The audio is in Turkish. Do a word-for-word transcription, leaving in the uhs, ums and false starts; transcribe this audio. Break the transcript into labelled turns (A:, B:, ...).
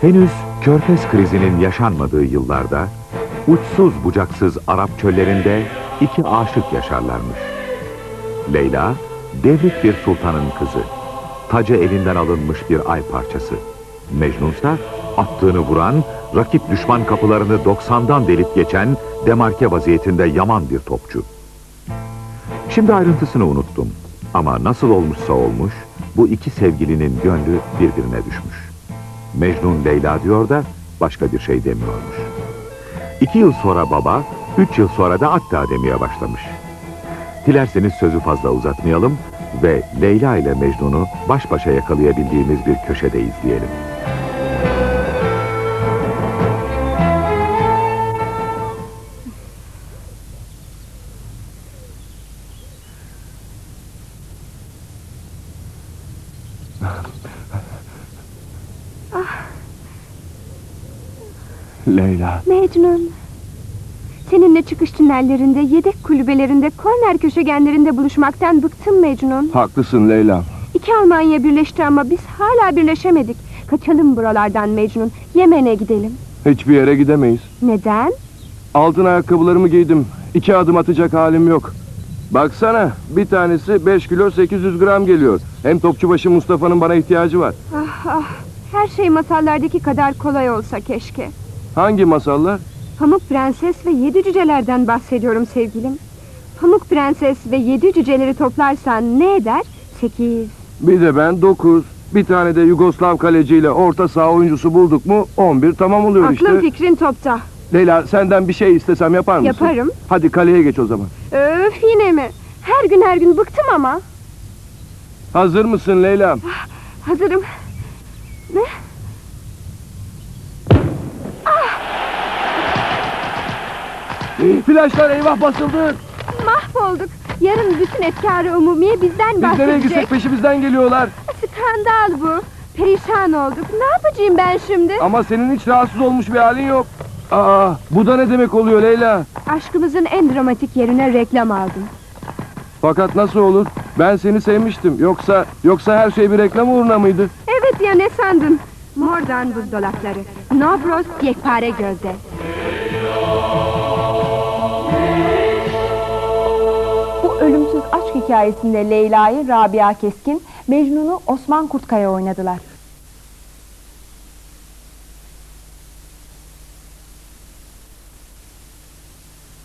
A: Henüz Körfez krizinin yaşanmadığı yıllarda uçsuz bucaksız Arap çöllerinde iki aşık yaşarlarmış. Leyla, devrik bir sultanın kızı, tacı elinden alınmış bir ay parçası. Mecnunsa attığını vuran, rakip düşman kapılarını doksandan delip geçen demarke vaziyetinde yaman bir topçu. Şimdi ayrıntısını unuttum ama nasıl olmuşsa olmuş, bu iki sevgilinin gönlü birbirine düşmüş. Mecnun Leyla diyor da başka bir şey demiyormuş. İki yıl sonra baba, üç yıl sonra da hatta demeye başlamış. Dilerseniz sözü fazla uzatmayalım ve Leyla ile Mecnun'u baş başa yakalayabildiğimiz bir köşede izleyelim.
B: Leyla.
C: Mecnun. Seninle çıkış tünellerinde, yedek kulübelerinde, korner köşegenlerinde buluşmaktan bıktım Mecnun.
B: Haklısın Leyla.
C: İki Almanya birleşti ama biz hala birleşemedik. Kaçalım buralardan Mecnun. Yemen'e gidelim.
B: Hiçbir yere gidemeyiz.
C: Neden?
B: Altın ayakkabılarımı giydim. İki adım atacak halim yok. Baksana, bir tanesi beş kilo sekiz yüz gram geliyor. Hem Topçubaşı Mustafa'nın bana ihtiyacı var.
C: Ah ah. Her şey masallardaki kadar kolay olsa keşke.
B: Hangi masallar?
C: Pamuk Prenses ve Yedi Cücelerden bahsediyorum sevgilim. Pamuk Prenses ve Yedi Cüceleri toplarsan ne eder? Sekiz.
B: Bir de ben dokuz. Bir tane de Yugoslav kaleciyle orta saha oyuncusu bulduk mu on bir tamam oluyor
C: Aklın
B: işte.
C: fikrin topta.
B: Leyla, senden bir şey istesem yapar mısın?
C: Yaparım.
B: Hadi kaleye geç o zaman.
C: Öf, yine mi? Her gün her gün bıktım ama.
B: Hazır mısın Leyla?
C: Hazırım. Ne?
B: Flaşlar eyvah basıldı.
C: Mahvolduk. Yarın bütün efkar-ı umumiye bizden
B: Biz nereye
C: bahsedecek.
B: gitsek peşimizden geliyorlar.
C: Skandal bu. Perişan olduk. Ne yapacağım ben şimdi?
B: Ama senin hiç rahatsız olmuş bir halin yok. Aa, bu da ne demek oluyor Leyla?
C: Aşkımızın en dramatik yerine reklam aldım.
B: Fakat nasıl olur? Ben seni sevmiştim. Yoksa yoksa her şey bir reklam uğruna mıydı?
C: Evet ya, ne sandın? Mordan buzdolapları. Nobros yekpare gözde.
D: Bu ölümsüz aşk hikayesinde Leyla'yı Rabia Keskin, Mecnun'u Osman Kurtkaya oynadılar.